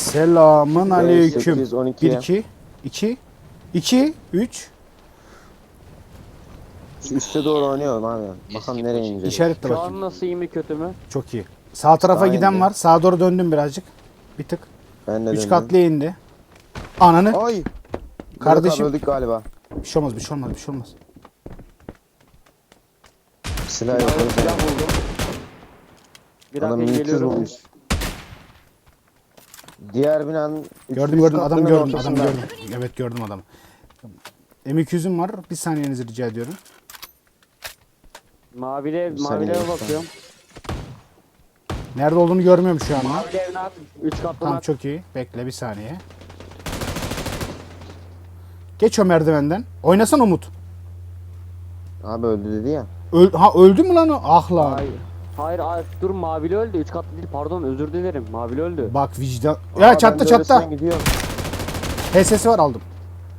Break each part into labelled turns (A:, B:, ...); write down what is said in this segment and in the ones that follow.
A: Selamın aleyküm.
B: 812.
A: 1 2 2 2 3
B: Şu üste doğru oynuyorum abi. Bakalım nereye inecek.
A: işaretle
C: Şu
A: bakayım.
C: an nasıl, iyi mi kötü mü?
A: Çok iyi. Sağ tarafa
B: Sağa
A: giden
B: indi.
A: var. Sağa doğru döndüm birazcık. Bir tık.
B: Ben de
A: 3
B: döndüm.
A: katlıya indi. Ananı.
B: Ay.
A: Kardeşim.
B: Kardeşim. Öldük galiba.
A: Bir şey olmaz, bir şey olmaz, bir şey olmaz.
B: Silah yok. o
C: Silah
B: yüzden.
C: buldum. Bir
B: Adam
C: dakika
B: 200
C: geliyorum.
B: bulmuş. Diğer binanın
A: Gördüm gördüm adam
B: katlının
A: gördüm adam
B: ortasında.
A: gördüm. Evet gördüm adamı. M200'üm var. Bir saniyenizi rica ediyorum.
C: Mavile,
B: Bir saniye
C: mavilere
B: lütfen.
C: bakıyorum.
A: Nerede olduğunu görmüyorum şu anda.
C: Mavile evine at. 3 katlı
A: Tamam
C: at.
A: çok iyi. Bekle bir saniye. Geç o merdivenden. Oynasan Umut.
B: Abi öldü dedi ya.
A: Öldü mü lan o? Ah lan.
C: Hayır. Hayır, hayır, dur, mavili öldü. 3 katlı değil, pardon, özür dilerim. Mavili öldü.
A: Bak vicdan.
B: Aa,
A: Ya
B: ben
A: çattı
B: de
A: çattı.
B: öylesinden gidiyorum.
A: HS'si var aldım.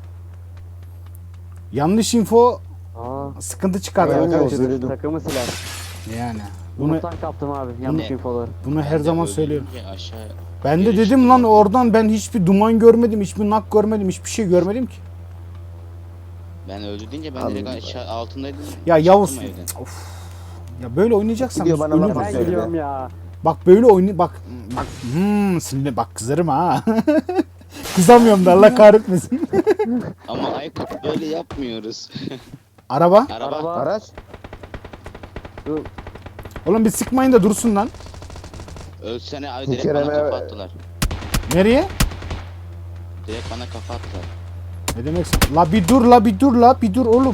A: Yanlış info
C: Aa,
A: sıkıntı çıkardı
B: Ben
A: arkadaşlar.
B: özür dilerim.
C: takımı siler.
A: Yani. Bunu
C: Umut'tan kaptım abi, yanlış infoları.
A: her zaman söylüyorum.
D: Aşağı
A: Ben de
D: geri
A: dedim lan oradan ben hiçbir duman görmedim, hiçbir nak görmedim, hiçbir şey görmedim ki.
D: ben öldü deyince ben
B: Abi,
D: direkt aşağı altındaydım.
A: Ya Yavuz.
D: Çıktım evden.
A: Of. Ya böyle oynayacaksan
B: Gidiyor bana
A: ölürüm.
B: laf
C: Ben
B: söyledi.
C: gidiyorum ya.
A: Bak böyle bak şimdi bak kızarım ha. Kızamıyorum da Allah kahretmesin.
D: Ama Aykut böyle yapmıyoruz.
A: Araba.
D: Araba.
B: Araç.
C: Dur.
A: Oğlum bir sıkmayın da dursun lan.
D: Ölsene abi
B: Bir
D: direkt
B: kere
D: bana
B: mi-
D: kafa attılar.
A: Nereye?
D: Direkt bana kafa attılar.
A: Ne demek sen? La bir dur la bir dur la bir dur oğlum.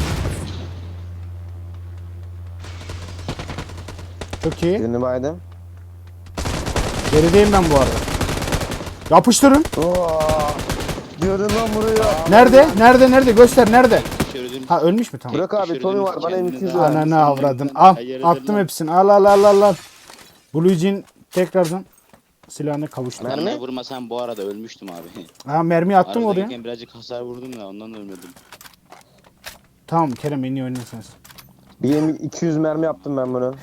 A: Çok iyi.
B: Birini baydım.
A: Gerideyim ben bu arada. Yapıştırın.
B: Oo. Diyordun lan buraya.
A: Nerede? Göster nerede?
D: Düşürdün.
A: Ha ölmüş mü tamam.
B: Bırak abi
D: Düşürdün
B: Tommy var bana
D: kendini.
B: M200 ver.
A: Ananı avradın. Al.
D: Hayır,
A: Attım
D: lan.
A: hepsini. Al. Blue Jean tekrardan silahına kavuştu.
B: Mermi?
D: Bana vurmasan bu arada ölmüştüm abi.
A: Ha mermi attım oraya.
D: Aradayken birazcık hasar vurdum ya ondan ölmedim.
A: Tamam Kerem en iyi oynuyorsunuz.
B: Bir 200 mermi yaptım ben bunu.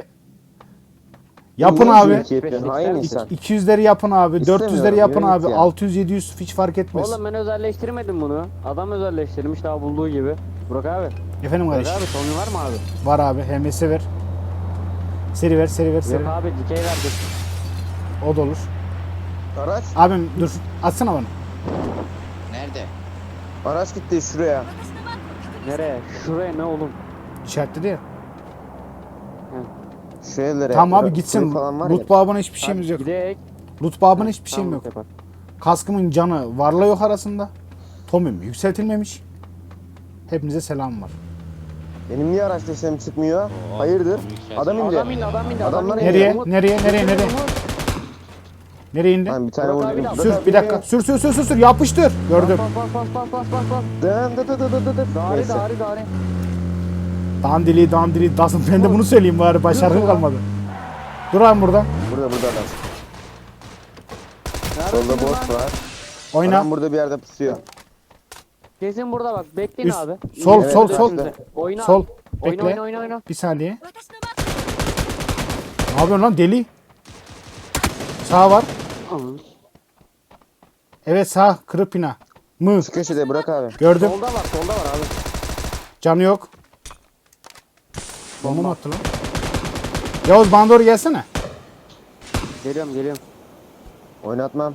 A: Yapın
B: Niye
A: abi.
B: iki yapıyorsun? Hain insan.
A: 200'leri yapın abi.
B: İstemiyorum,
A: 400'leri yapın
B: yürü
A: abi.
B: git ya.
A: 600-700 hiç fark etmez.
C: Oğlum ben özelleştirmedim bunu. Adam özelleştirmiş daha bulduğu gibi. Burak abi.
A: Efendim
C: Burak
A: kardeşim.
C: abi, Tommy var mı abi?
A: Var abi. HMS ver. Seri ver.
C: Yok abi, dikey verdim.
A: O da olur.
B: Araç.
A: Abim dur. Atsana bana.
D: Nerede?
B: Araç gitti şuraya.
C: Nereye? Şuraya ne oğlum?
A: İşaretledi ya.
B: Şu evlere.
A: Tamam abi
B: Kuru
A: gitsin.
B: falan var ya.
A: Loot babına hiçbir şeyimiz yok.
C: Gidek.
A: Loot babına hiçbir şeyim
C: Tamam,
A: yok.
C: yapar.
A: Kaskımın canı varla yok arasında. Tomim yükseltilmemiş. Hepinize selam var.
B: Benim niye araç desem çıkmıyor? Hayırdır?
D: Tommy yükselsin.
B: Adam indi.
C: Adam indi.
B: Adamlar
C: indi.
A: Nereye?
C: Umut,
A: Nereye?
C: Umut.
A: Nereye indi?
B: Lan bir tane
C: Burak abi
B: vurdum.
C: de-
A: Sür bir dakika. Sür. Yapıştır. Gördüm.
C: Bas.
B: Dın dı dı dı dı dı dı.
C: Dari.
B: Neyse.
A: Dandili dasın. Ben de bunu söyleyeyim bari. Başarım kalmadı. Dur abi burada.
B: Burada adam.
C: Neredesin
B: Solda
C: lan?
B: boss var.
A: Oyna.
B: Adam burada bir yerde pusuyor.
C: Kesin burada bak. Bekleyin
A: Üst-
C: abi.
A: sol,
B: Evet,
A: sol,
B: evet,
A: sol.
B: evet.
C: Oyna.
A: Sol.
C: Oyna,
A: Bekle.
C: oyna.
A: Bir saniye. Ne yapıyorsun lan deli? Sağ var. Evet sağ. Kırık bina. Mı.
B: Şu köşede bırak abi.
A: Gördüm.
C: Solda var abi.
A: Canı yok. Bomba mı attı lan? Yavuz bana doğru gelsene.
C: Geliyorum.
B: Oynatmam.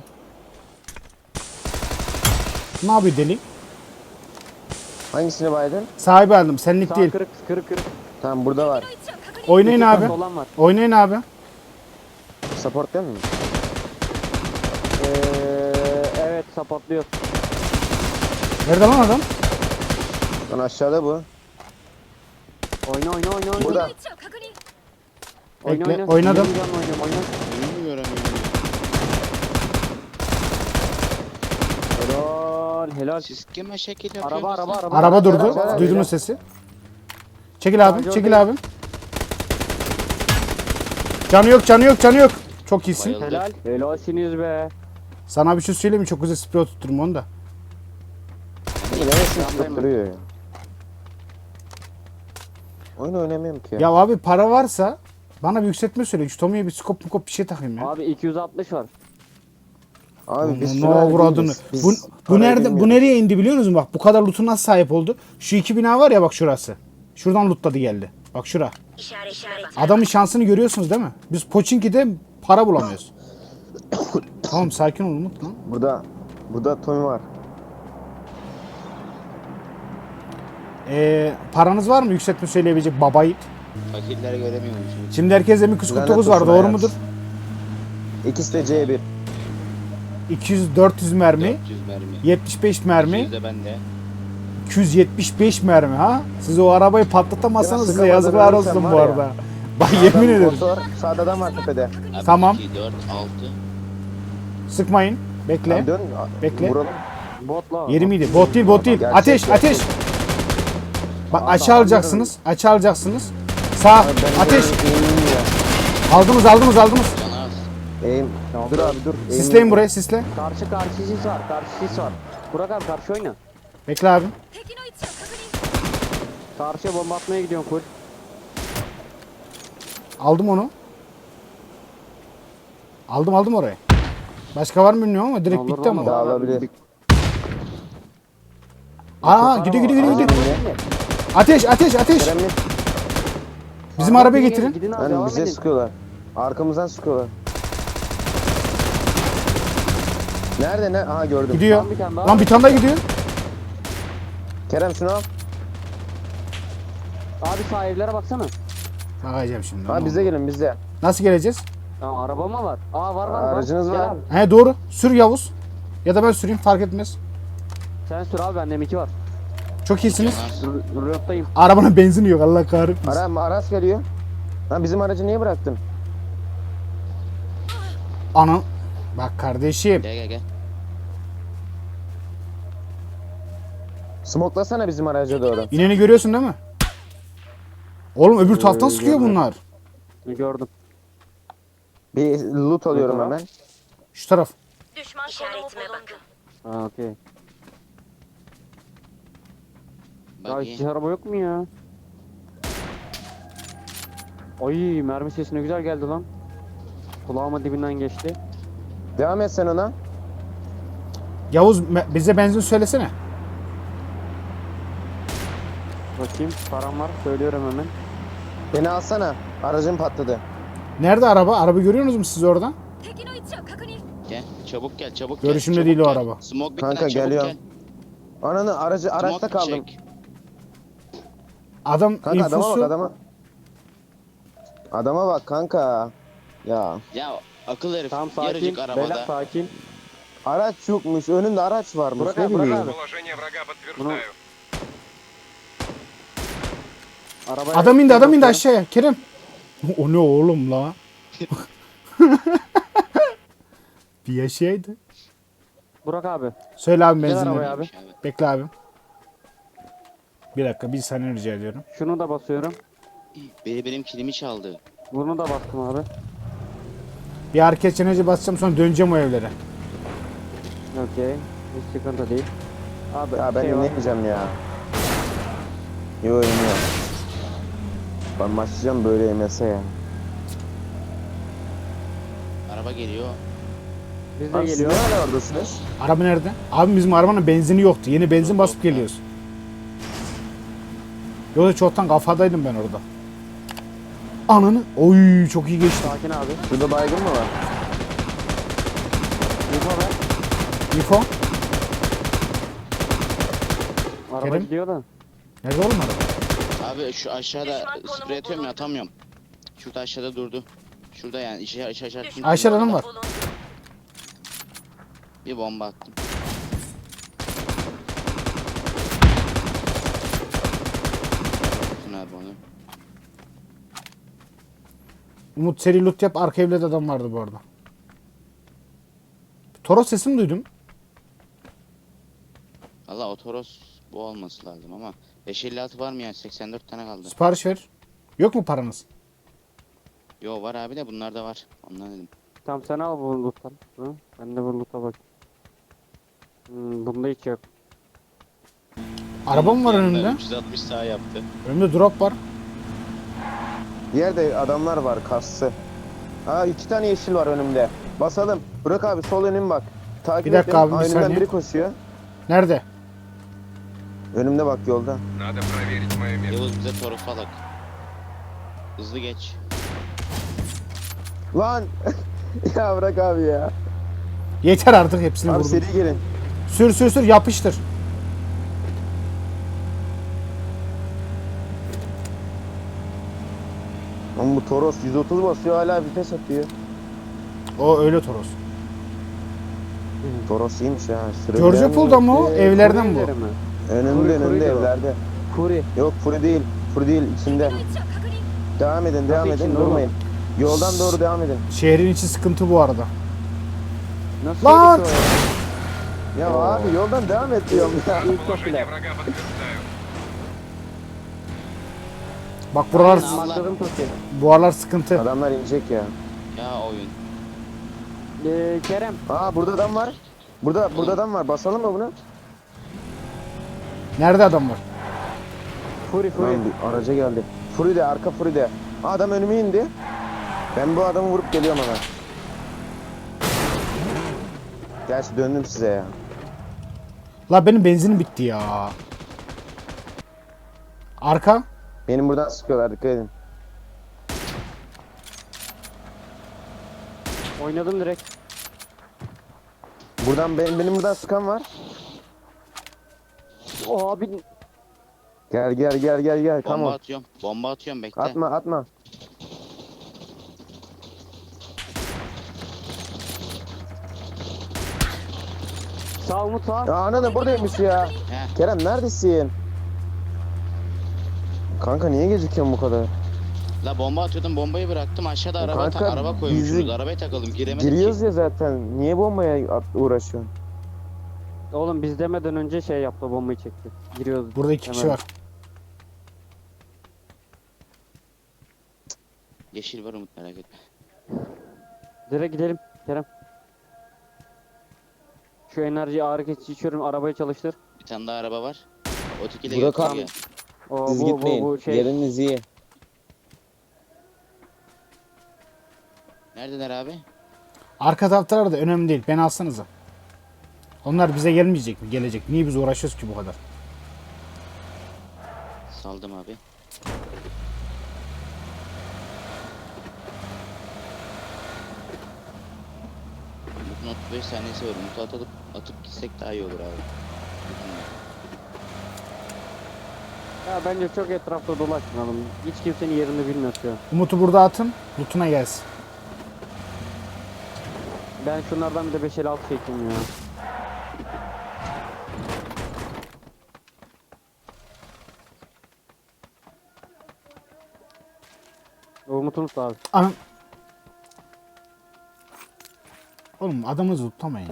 A: Ne yapıyor deli?
B: Hangisini baydın?
A: Sahibi aldım. Senlik
C: Sağ
A: değil.
C: kırık.
B: Tamam burada var.
A: Oynayın
C: İki
A: abi.
C: kat olan var.
A: Oynayın abi.
B: Support değil mi?
C: Evet, supportluyor.
A: Nerede lan adam?
B: Lan aşağıda bu.
C: Oyna.
B: Burada.
A: Bekle, oynadım.
C: Oyna.
D: Önümü göremiyorum.
C: Helal.
D: Siz kime şekil yapıyorsunuz?
C: Araba.
A: Araba durdu.
B: Araba.
A: Duydunuz sesi. Çekil abi. Çekil abi. Canı yok. Çok iyisin.
D: Bayıldı.
C: Helal. Helalsiniz be.
A: Sana bir şey söyleyeyim mi? Çok güzel sprey tutturum onu da.
B: Neresin tutup duruyor ya. Oyun oynamıyorum ki.
A: Ya abi para varsa bana bir yükseltme söyle. Şu Tommy'ye bir skop bir şey takayım ya.
C: Abi 260 var.
B: Abi biz
A: Ne
B: sürer
A: avradını.
B: değiliz. Biz
A: Bu
B: parayı
A: nerede? Bu
B: bilmiyoruz.
A: nereye indi biliyor musunuz? Bak bu kadar loot'u nasıl sahip oldu? Şu iki bina var ya bak şurası. Şuradan lootladı geldi. Bak şura. Adamın şansını görüyorsunuz değil mi? Biz Pochinki'de para bulamıyoruz. Tamam sakin ol Umut lan.
B: Burada Tommy var.
A: Paranız var mı yükseltme söyleyebilecek baba yiğit?
D: Fakirleri göremiyorum şimdi.
A: Şimdi herkeste bir 49 var
B: Lanet olsun
A: doğru
B: hayat.
A: mudur?
B: İkisi de C1.
A: 200-400 mermi,
D: 400 mermi.
A: 75 mermi,
D: 200 de bende.
A: 275 mermi ha? Siz o arabayı patlatamazsanız
B: Ya
A: size
B: sıkamadan
A: yazıklar
B: ölürsem
A: olsun
B: var
A: bu
B: ya.
A: arada. Bak yemin ederim.
B: Motor sağda adam var tepede.
D: Abi
A: Tamam.
D: 2, 4, 6.
A: Sıkmayın. Bekle.
B: Abi dön.
A: Bekle.
B: Vuralım.
C: Botla.
A: Yeri miydi? Bot değil, bot değil.
B: Gerçek,
A: Ateş,
B: gerçek.
A: ateş. Bak aşağı alacaksınız. Aşağı alacaksınız. Sağ.
B: Abi ben
A: Ateş.
B: eğimim ya.
A: Aldınız, aldınız, aldınız.
D: Can az.
B: Eğim. Dur abi dur. Eğimim
A: Sisleyin
B: yok.
A: buraya, sisle.
C: Karşı sis var. Karşı sis var. Burak abi karşı oyna.
A: Bekle abi.
E: 敵の位置を確認。
C: Karşıya bomba atmaya gidiyorum full.
A: Aldım onu. Aldım orayı. Başka var mı bilmiyorum ama direkt
C: Olur,
A: bitti ama.
C: olmaz abi.
B: Dağılabilir.
A: Aa gidiyor gidiyor. Ateş.
B: Kerem mi?
A: Bizim arabayı getirin.
C: Gidin abi
B: Hani
C: devam
B: bize
C: edin.
B: sıkıyorlar. Arkamızdan sıkıyorlar. Nerede ne? Aha gördüm.
A: Gidiyor.
C: Lan bir tane daha.
A: Lan bir tane daha gidiyor.
B: Kerem şunu al.
C: Abi sağ evlere baksana.
A: Bakacağım şimdi.
B: Ha bize gelin bize.
A: Nasıl geleceğiz?
C: Tamam araba mı var? Aa var.
B: Aracınız
C: Gel
B: var.
C: abi.
A: He doğru. Sür Yavuz. Ya da ben süreyim fark etmez.
C: Sen sür abi bende M2 var.
A: Çok iyisiniz.
C: Röptayım.
A: Arabanın benzini yok Allah kahretmesin.
B: Araç geliyor. Ha bizim aracı niye bıraktın?
A: Ana. Bak kardeşim.
D: Gel.
B: Smoklasana bizim araca doğru.
A: İneni görüyorsun değil mi? Oğlum öbür taraftan sıkıyor bunlar.
C: Gördüm.
B: Bir loot alıyorum
C: Ne
B: hemen.
A: Şu taraf.
E: Düşman işaretime bakın.
C: Ha okey. Ya
D: Bak
C: hiç araba yok mu ya? Ay mermi sesi ne güzel geldi lan. Kulağıma dibinden geçti.
B: Devam et sen ona.
A: Yavuz bize benzin söylesene.
C: Bakayım param var söylüyorum hemen.
B: Beni alsana. Aracım patladı.
A: Nerede araba? Araba görüyorsunuz mu siz oradan?
E: 敵の位置を確認。
D: Gel. Çabuk gel.
A: Görüşümde
D: çabuk
A: değil o
D: gel.
A: araba.
D: Smoke bitmeden
B: Kanka,
D: çabuk
B: geliyorum.
D: gel.
B: Ananı araçta
D: Smoke
B: kaldım.
D: çek.
A: Adam
B: Kanka adama bak
A: infosu.
B: adama. Adama bak kanka. Ya
D: Ya akıl herif.
C: Tamam sakin.
D: Yarıcık
C: Beyler
D: arabada.
C: sakin.
B: araç yokmuş. Önünde araç varmış.
C: Burak
B: ne
C: abi, Burak
B: bileyim.
C: abi.
F: Положение врага
C: Bunu...
F: подтверждаю.
C: Arabaya
A: Adam indi aşağıya. Kerem. O ne oğlum la? Bir yaşaydı.
C: Burak abi.
A: Söyle abi
C: Gel
A: benzinleri.
C: arabaya abi.
A: Bekle abi. Bir dakika bir saniye rica ediyorum.
C: Şunu da basıyorum.
D: Benim kilimi çaldı.
C: Bunu da bastım abi.
A: Bir hareket çeneci basacağım sonra döneceğim o evlere.
C: Okey. Hiç sıkıntı değil. Abi
B: Ya ben
C: şey var.
B: inmeyeceğim ya. Yo iniyorum. Ben başlayacağım böyle yemese ya.
D: Araba geliyor.
C: Biz de
B: Abi siz
C: geliyor.
B: ne hala oradasınız?
A: Araba nerede? Abi bizim arabanın benzini yoktu. Yeni benzin basıp geliyoruz. Yoksa çoktan kafadaydım ben orada. Ananı. Oy çok iyi geçti.
C: Sakin abi.
B: Şurada baygın mı var?
C: Info ver.
A: Info.
C: Araba
A: Kerim?
C: gidiyor da.
A: Nerede oğlum araba?
D: Abi şu aşağıda
E: Düşman konumu
D: sprey atıyorum ya
E: bulundu.
D: atamıyorum. Şurada aşağıda durdu. Şurada yani aşağı.
A: Ayşe Hanım var.
E: Bulundu.
D: Bir bomba attım. Tutun abi onu.
A: Umut seri loot yap. Arka evde de adam vardı bu arada. Toros sesini duydum.
D: Valla o Toros bu olması lazım ama 556 var mı ya? 84 tane kaldı.
A: Sipariş ver. Yok mu paranız?
D: Yo var abi de bunlar da var. Ondan dedim.
C: Tamam sen al bu loot'tan. Hı? Ben de bu loot'a bak. Bunda hiç yok.
A: Araba mı var önümde?
D: 360 sağ yaptı.
A: Önümde drop var.
B: Bir yerde adamlar var kassı. Aa 2 tane yeşil var önümde. Basalım. Bırak abi sol önüm bak. Takip
A: Bir dakika
B: et
A: abi,
B: beni.
A: bir
B: Aa, önümden
A: saniye.
B: biri koşuyor.
A: Nerede?
B: Önümde bak yolda.
F: Надо проверить мое место.
D: Yavuz bize Toros'u alak. Hızlı geç.
B: Lan! Ya bırak abi ya.
A: Yeter artık, hepsini
B: Abi
A: vurdum.
B: seri gelin.
A: Sür sür sür, yapıştır.
B: Ama bu Toros 130 basıyor hala vites atıyor.
A: O öyle Toros.
B: Toros iyiymiş ya.
A: Georgia Pool'da mı o? Evlerden bu.
C: Furi mi?
B: Önünde
C: Furi de o.
B: evlerde.
C: Furi.
B: Yok Furi değil. Furi değil içinde.
E: 敵の位置を確認。
B: Devam edin devam
C: Nasıl
B: edin
C: içinde
B: durmayın. Yoldan doğru devam edin.
A: Şehrin içi sıkıntı bu arada.
C: Nasıl
A: Lan!
C: öyle bir şey
B: Ya abi yoldan devam et diyorum ya.
F: Положение врага подтверждаю.
A: Bak buralar,
D: Aynen.
C: Maksadım Toki.
A: bu aralar sıkıntı.
B: Adamlar inecek ya.
D: Ya oyun.
C: Kerem.
B: Aa burada adam var. Burada adam var. Basalım mı bunu?
A: Nerede adam var?
C: Furi Furi.
B: Lan bir araca geldi. Furi de arka Furi de. Aa, adam önüme indi. Ben bu adamı vurup geliyorum hemen. Gerçi döndüm size ya.
A: La benim benzinim bitti ya. Arka.
B: Benim buradan sıkıyorlar dikkat edin.
C: Oynadım direkt.
B: Buradan benim buradan sıkan var.
C: O abi
B: Gel.
D: Bomba
B: Tamam.
D: atıyorum. Bomba atıyorum bekle.
B: Atma.
C: sağ Umut sağ.
B: Ya ananı buradaymış ya.
D: Heh.
B: Kerem neredesin? Kanka niye gecikiyorsun bu kadar?
D: La bomba atıyordum, bombayı bıraktım, aşağıda
B: Kanka,
D: araba koymuşsunuz.
B: bizi-
D: Arabaya takalım, giremedik
B: Giriyoruz
D: ki.
B: ya zaten. Niye bombaya uğraşıyorsun?
C: Oğlum biz demeden önce şey yaptı, bombayı çekti. Giriyoruz.
A: Burada 2 kişi
C: Hemen.
A: var.
D: Yeşil var Umut, merak etme.
C: Direkt gidelim Kerem. Şu enerjiyi ağrı kesici içiyorum, arabayı çalıştır.
D: Bir tane daha araba var. O tikiyle
B: Burak
D: götür
B: abi.
D: ya.
C: O
B: Siz gitmeyin.
C: bu şey.
B: Yeriniz iyi.
D: Neredeler abi?
A: Arka taraftalar da önemli değil. Beni alsanıza. Onlar bize gelmeyecek mi? Gelecek. Niye biz uğraşıyoruz ki bu kadar?
D: Saldım abi. Umut'un 35 saniyesi var. Umut'u atıp gitsek daha iyi olur abi.
C: Ya bence çok etrafta dolaşmayalım. Hiç kimsenin yerini bilmiyor şu an.
A: Umut'u burada atın. Loot'una gelsin.
C: Ben şunlardan bir de 556 çekeyim ya. Umut'un abi.
A: Anam. Oğlum adamı tutamayın ya.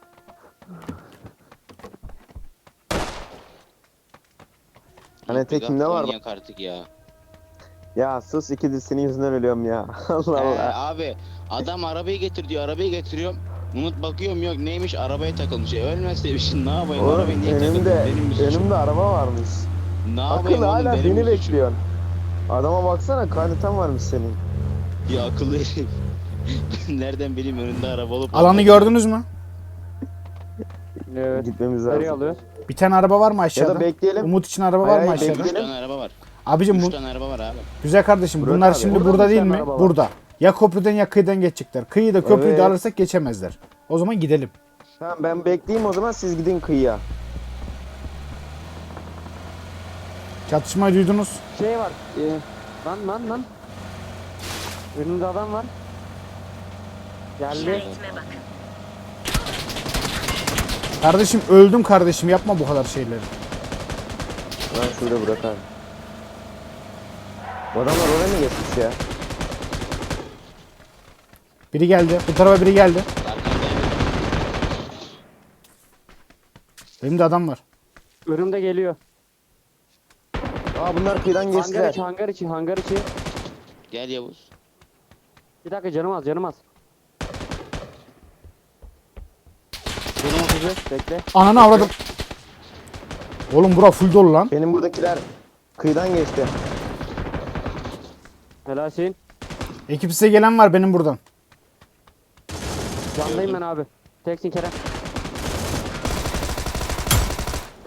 B: Hani
D: Umut, bir
B: tekimde
D: gaz
B: var.
D: oynayak artık ya.
B: Ya sus ikidir senin yüzünden ölüyorum ya. Allah Allah.
D: Abi adam arabayı getir diyor, arabayı getiriyorum. Umut bakıyorum yok neymiş, arabaya takılmış. Ölmezseymişsin ne yapayım,
B: Oğlum
D: arabaya niye takıldın, benim bir suçum.
B: önümde araba varmış.
D: Ne
B: Akıl
D: yapayım oğlum,
B: hala
D: benim
B: beni
D: bir suçum.
B: bekliyorsun. Adama baksana kaynatan varmış senin.
D: Ya akıllı herif. Nereden bileyim önünde araba olup.
A: Alanı gördünüz mü?
C: Evet.
B: Gitmemiz
C: Nereye
B: lazım.
C: alıyor?
A: Bir tane araba var mı
B: Ya
A: aşağıda?
B: da bekleyelim.
A: Umut için araba
B: Hayır,
A: var mı
B: hayır,
A: aşağıda?
B: bekleyelim.
D: 3 tane araba var.
A: Abicim
D: 3
A: bu
D: tane araba var abi.
A: güzel kardeşim.
B: Burak
A: Bunlar
B: abi,
A: şimdi
C: burada
A: burada
C: mı
A: değil
C: bir
A: mi?
C: tane araba var?
A: Burada. Ya köprüden ya kıyıdan geçecekler. Kıyıyı da köprüyü de
B: Evet.
A: alırsak geçemezler. O zaman gidelim.
B: Tamam ben bekleyeyim o zaman siz gidin kıyıya.
A: Çatışmayı duydunuz.
C: Şey var. Lan. Önümde adam var. Geldi.
E: İşaretime bakın.
A: Kardeşim öldüm kardeşim. Yapma bu kadar şeyleri.
B: Lan şurada bırak abi. Bu adamlar oraya mı geçmiş ya?
A: Biri geldi. Bu tarafa biri geldi.
D: Arkandayım.
A: Benim de adam var.
C: Önümde geliyor.
B: Aa bunlar kıyıdan
C: Hangar
B: geçtiler.
C: içi, hangar içi.
D: Gel Yavuz.
C: Bir dakika canım az. Canım 30 bekle.
A: Ananı avradım. Oğlum bura full dolu lan.
B: Benim buradakiler kıyıdan geçti.
C: Helalsin.
A: Ekip size gelen var benim buradan.
C: Candayım ben abi. Teksin Kerem.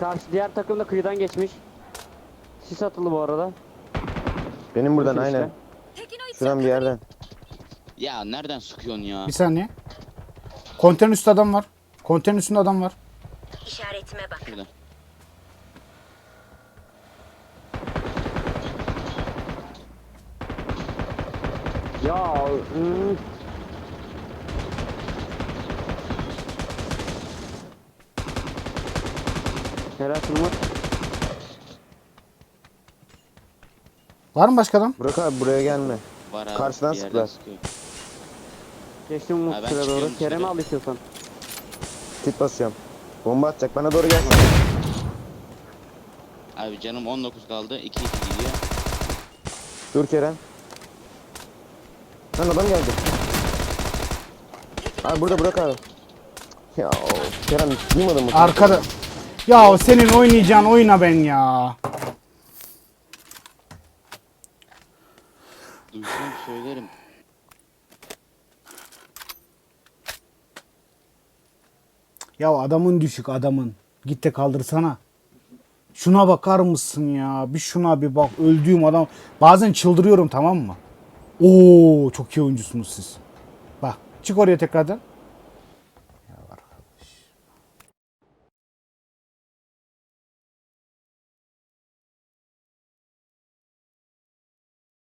C: Karşı diğer takım da kıyıdan geçmiş. Sis atılı bu arada.
B: Benim buradan
C: Bakın işte.
B: aynen.
E: 敵の位置
B: Şuradan bir yerden.
D: Ya nereden sıkıyorsun ya?
A: Bir saniye. Konteyner üstü adam var. Konteyner üstünde adam var.
E: işaretime bak.
D: Şurada.
C: Ya Helal Umut.
A: Var mı başka adam?
B: Burak abi buraya gelme.
D: Var abi.
B: Karşıdan
D: bir yerden
B: sıktılar.
D: sıkıyor.
C: Geçtim Umut
D: Ha, ben
C: şuraya
D: çıkıyorum
C: doğru. Kerem'i
D: dışarı.
C: al istiyorsan.
B: Kit basıyorum. Bomba atacak. Bana doğru gelsin.
D: Abi canım 19 kaldı. 2-2 gidiyor.
B: Dur Kerem. Lan adam geldi. Abi burada Burak abi. Ya Kerem duymadın mı?
A: Arkada. Ya senin oynayacağın oyuna ben ya.
D: Duysam söylerim.
A: Ya adamın düşük adamın. Git de kaldırsana. Şuna bakar mısın ya? Bir şuna bir bak. Öldüğüm adam. Bazen çıldırıyorum, tamam mı? Oo, çok iyi oyuncusunuz siz. Bak çık oraya tekrardan.